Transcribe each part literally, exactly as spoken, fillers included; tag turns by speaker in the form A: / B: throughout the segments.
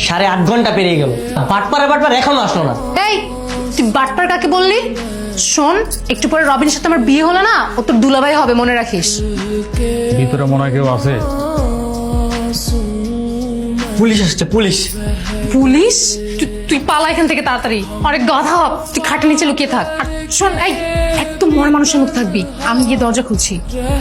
A: সাড়ে আট ঘন্টা পেরিয়ে গেল, বাটপারে বাটপার এখনো আসলো না।
B: এই তুই বাটপার কাকে বললি? শোন, একটু পরে রবিনের সাথে আমার বিয়ে হলো না, ও তোর দুলাভাই হবে, মনে রাখিস।
C: ভিতরে মনে হয় কেউ আছে।
A: পুলিশ আসছে, পুলিশ।
B: পুলিশ? তুই- তুই পালা এখান থেকে তাড়াতাড়ি, অনেক গাধা হ, তুই খাটের নিচে লুকিয়ে থাক। আর শোন, এই একদম মরা মানুষের মতো থাকবি, আমি গিয়ে দরজা খুলছি।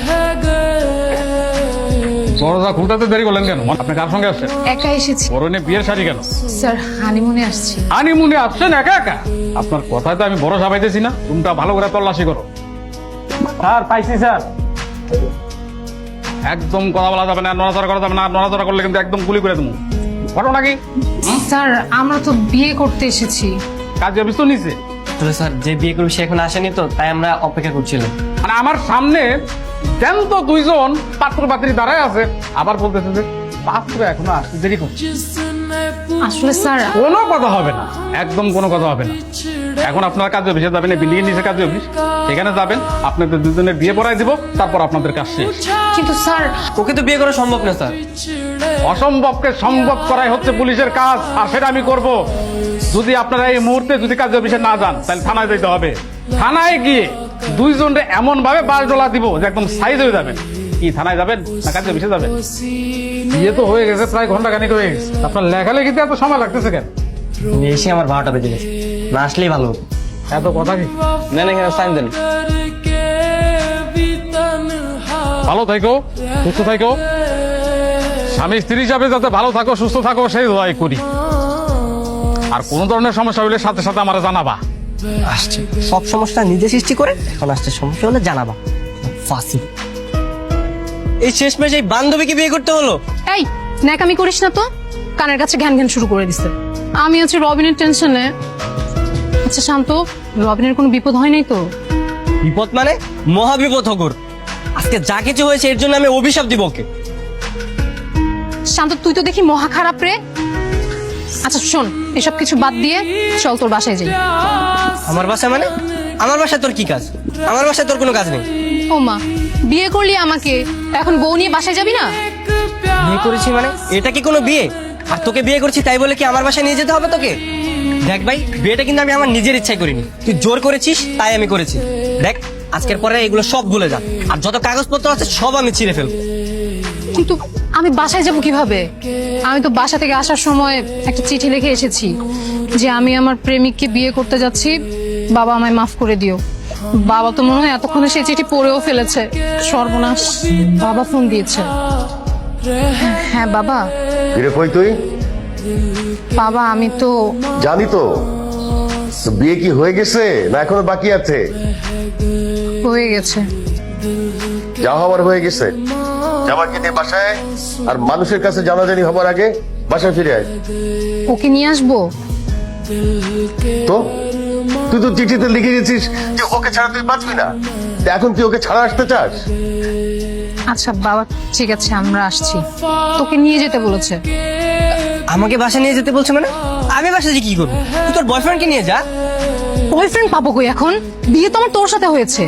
C: দরজা খুলতে দেরি করলেন কেন? আপনি কার সঙ্গে আসছেন?
B: একা এসেছি
C: পরনে বিয়ের শাড়ি কেন?
B: স্যার, হানিমুনে আসছি।
C: হানিমুনে আসছেন একা একা? আপনার কথায় তো আমি ভরসা পাইতেছি না। রুমটা ভালো করে তল্লাশি করো।
A: স্যার পাইছি স্যার।
C: একদম কথা বলা যাবে না, নড়াচড়া করা যাবে না। নড়াচড়া করলে কিন্তু একদম গুলি করে দেবো। ঘটনা কি?
B: স্যার, আমরা তো বিয়ে করতে এসেছি।
C: কাজে অফিস তো নিচে।
A: আসলে স্যার, যে বিয়ে করবে সে এখন আসেনি তো, তাই আমরা অপেক্ষা করছিলাম।
C: মানে আমার সামনে জ্যান্ত দুইজন পাত্র পাত্রী দাঁড়ায় আছে, আবার বলতেছে যে পাত্র এখনো আসতে দেরি করছে।
B: আসলে স্যার,
C: কোনো কথা হবে না, একদম কোনো কথা হবে না। এখন আপনার কাজে অফিসে যাবেন, বিল্ডিং এর নিচে কাজে অফিস, সেখানে যাবেন। আপনাদের দুজনের বিয়ে পড়াই দিব, তারপর আপনাদের কাজ শেষ।
B: কিন্তু স্যার,
A: ওকে তো বিয়ে করা সম্ভব না স্যার।
C: অসম্ভবকে সম্ভব করাই হচ্ছে পুলিশের কাজ, আর সেটা আমি করব। যদি আপনারা এই মুহূর্তে যদি কাজে অফিসে না যান, তাহলে থানায় যেতে হবে। থানায় গিয়ে দুইজনরে এমন ভাবে বাস ডলা দিব যে একদম সাইজ হয়ে যাবেন। কি থানায় যাবেন না কাজে অফিসে যাবেন? বিয়ে তো হয়ে গেছে, প্রায় ঘন্টা খানিক হয়ে গেছে। আপনার লেখালেখিতে এত সময় লাগতেছে কেন?
A: এসে আমার বারোটা বেজে গেছে, না আসলেই ভালো হতো।
C: এত কথা কি?
A: না না, এখানে সাইন দেন।
C: ভালো থাকো, সুস্থ থাকো। স্বামী স্ত্রী হিসাবে যাতে ভালো থাকো, সুস্থ থাকো, সেই দোয়াই করি। আর কোন ধরনের সমস্যা হলে সাথে সাথে আমার জানাবা।
A: আসছে সব সমস্যা নিজে সৃষ্টি করে, এখন আসছে সমস্যা হলে জানাবা। ফাঁসি। এই শেষমেশ এই বান্ধবীকে বিয়ে করতে হলো।
B: এই ন্যাকামি করিস না তো, কানের কাছে ঘ্যান ঘ্যান শুরু করে দিছে। আমি হচ্ছে রবিনের টেনশনে। আচ্ছা শান্ত, রবিনের কোনো বিপদ হয় নাই তো?
A: বিপদ মানে মহা বিপদ হগর। আজকে যা কিছু হয়েছে এর জন্য আমি অভিশাপ দিব ওকে।
B: শান্ত, তুই তো দেখি মহা খারাপ রে। আচ্ছা শোন, এসব কিছু বাদ দিয়ে চল তোর বাসায় যাই।
A: আমার বাসায় মানে? আমার বাসায় তোর কি কাজ? আমার বাসায় তোর কোনো কাজ নেই।
B: ও মা, বিয়ে করলি আমাকে, এখন বউ নিয়ে বাসায় যাবি না?
A: বিয়ে করেছি মানে এটা কি কোনো বিয়ে? আর তোকে বিয়ে করছি তাই বলে কি আমার বাসায় নিয়ে যেতে হবে তোকে? দেখ ভাই, বিয়েটা কিন্তু আমি আমার নিজের ইচ্ছায় করিনি, তুই জোর করেছিস তাই আমি করেছি। দেখ, আজকের পরে এগুলো সব ভুলে যা, আর যত কাগজপত্র আছে সব আমি ছিঁড়ে ফেলবো।
B: কিন্তু আমি বাসায় যাব কিভাবে? আমি তো বাসা থেকে আসার সময় একটা চিঠি লিখে এসেছি যে আমি আমার প্রেমিককে বিয়ে করতে যাচ্ছি, বাবা আমায় মাফ করে দিও। বাবা তো মনে হয় এতক্ষণে সেই চিঠি পড়েও ফেলেছে। সর্বনাশ, বাবা ফোন দিয়েছে। হ্যাঁ বাবা।
D: ফিরে কই তুই?
B: বাবা আমি তো
D: জানি তো। তো বিয়ে কি হয়ে গেছে না এখনো বাকি আছে?
B: হয়ে গেছে।
D: যা হওয়ার হয়ে গেছে। জামাইকে নিয়ে বাসায়, আর মানুষের কাছে জানাজানি হবার আগে বাসায় ফিরে আয়।
B: ওকে নিয়ে আসবো?
D: তো তুই তো চিঠিতে লিখে গেছিস যে ওকে ছাড়া তুই বাঁচবি না, তা এখন তুই ওকে ছাড়া আসতে চাস?
B: আচ্ছা বাবা, ঠিক আছে আমরা আসছি। তোকে নিয়ে যেতে বলেছে।
A: আমাকে বাসায় নিয়ে যেতে বলছে মানে? আমি বাসায় যে কি করবো? তুই তোর বয়ফ্রেন্ডকে নিয়ে যা।
B: বয়ফ্রেন্ড পাবো কই এখন? বিয়ে তো আমার তোর সাথে হয়েছে।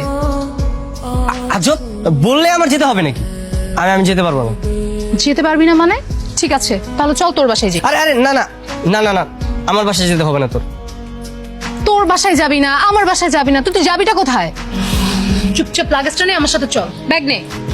A: আজব, বললে আমার যেতে হবে নাকি? আমি আমি যেতে পারবো না।
B: যেতে পারবি না মানে? ঠিক আছে তাহলে চল তোর বাসায় যাই।
A: আরে আরে না না না না না, আমার বাসায় যেতে হবে না তোর।
B: তোর বাসায় যাবি না, আমার বাসায় যাবি না, তুই তুই যাবিটা কোথায়? চুপচাপ লাগেজটা নিয়ে আমার সাথে চল, ব্যাগ নে।